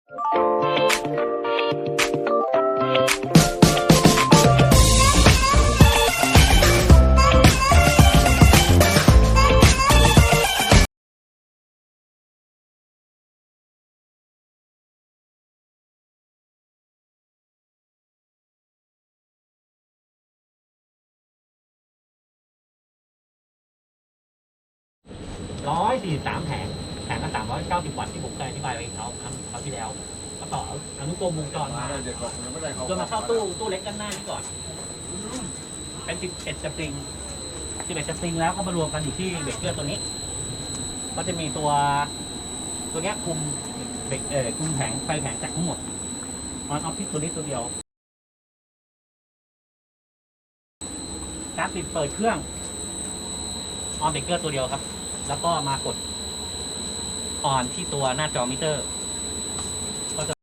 143 แผงละ390 วัตต์ที่ผมเคยอธิบายไปเขาที่แล้วก็ต่ออนุกรมวงจรมาจนมาเข้าตู้เล็กด้านหน้านี่ก่อนเป็น11 สปริงแล้วก็มารวมกันอยู่ที่เบรกเกอร์ตัวนี้ก็จะมีตัวเนี้ยคุมคุมไฟแผงจากทั้งหมดออนออฟฟิศตัวนี้ตัวเดียวการปิดเปิดเครื่องออนเบรกเกอร์ตัวเดียวครับแล้วก็มากดออนที่ตัวหน้าจอมิเตอร์ก็จะ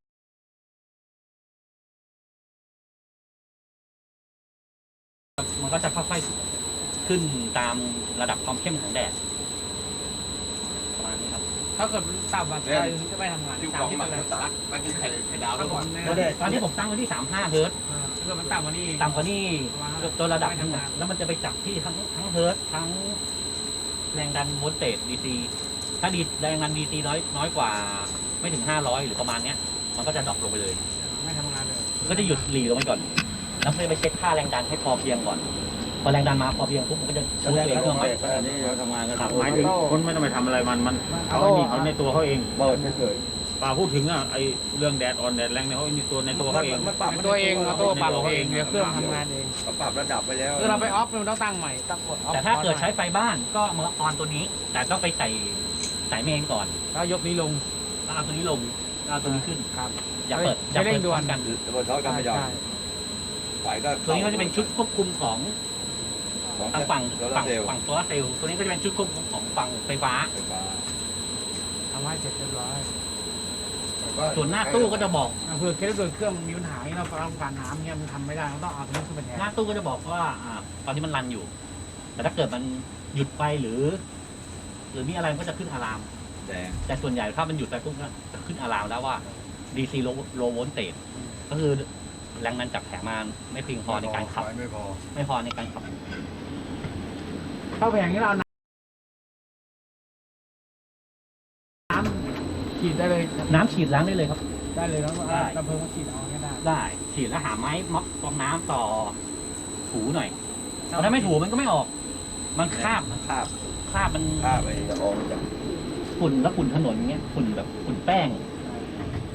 มันก็จะค่อยๆขึ้นตามระดับความเข้มของแดดประมาณนี้ครับถ้าเกิดต่ำกว่าจะไม่ทำงานตามที่มันเลยมันคือไข่ดาวด้วยก่อนตอนนี้ผมตั้งไว้ที่35 เฮิร์ตซ์ถ้าเกิดมันต่ำกว่านี้ตัวระดับนึงแล้วมันจะไปจับที่ทั้งเฮิร์ตซ์ทั้งแรงดันโวลต์เตจ DC ถ้าแรงดัน DC น้อยกว่าไม่ถึง500หรือประมาณเนี้ยมันก็จะดรอปลงไปเลยไม่ทำงานเลยก็จะหยุดหลีลงไปก่อนแล้วไปเช็คค่าแรงดันให้พอเพียงก่อนพอแรงดันมาพอเพียงปุ๊บมันก็จะชูเองเครื่องอันนี้เราทำงานกันหมายถึงคนไม่ต้องไปทำอะไรมันเขาในตัวเขาเองเปิดเฉยป่าพูดถึงไอเรื่องแดดออนแดดแรงเนี่ยเขาในตัวเขาเองตัวเองเราตัวปรับเองเดี๋ยวเครื่องทำงานเองปรับระดับไปแล้วคือเราไปออฟเราต้องตั้งใหม่ตั้งกดออฟแต่ถ้าเกิดใช้ไฟบ้านก็มาออนตัวนี้แต่ต้องไปใส่สายเมนก่อนแล้วยกนี้ลงเอาตัวนี้ลงเอาตัวนี้ขึ้นครับอย่าเปิดด่วนกันเปิดท้อกันไม่ยอมไฟก็ตัวนี้ก็จะเป็นชุดควบคุมของฝั่งโซลาร์เซลล์ตัวนี้ก็จะเป็นชุดควบคุมของฝั่งไฟฟ้าทำให้เสร็จเรียบร้อยส่วนหน้าตู้ก็จะบอกเผื่อเครื่องมีปัญหาเราต้องการน้ำเนี่ยมันทำไม่ได้เราต้องเอาตัวนี้ขึ้นไปแทนหน้าตู้ก็จะบอกว่าตอนนี้มันรันอยู่แต่ถ้าเกิดมันหยุดไปหรือมีอะไรก็จะขึ้นอะลามแต่ส่วนใหญ่ถ้ามันหยุดไปปุ๊บก็จะขึ้นอะลามแล้วว่า DC low voltage ก็คือแรงดันจากแผงมาไม่เพียงพอในการขับไม่พอในการขับเข้าแผงนี้เราน้ำฉีดได้เลยน้ำฉีดล้างได้เลยครับได้เลยแล้วระเบิดฉีดเอาได้ฉีดแล้วหาไม้ม็อบฟองน้ำต่อถูหน่อยถ้าไม่ถูมันก็ไม่ออกมันคราบมันไปจะออกจากฝุ่นแล้วฝุ่นถนนเงี้ยฝุ่นแบบฝุ่นแป้ง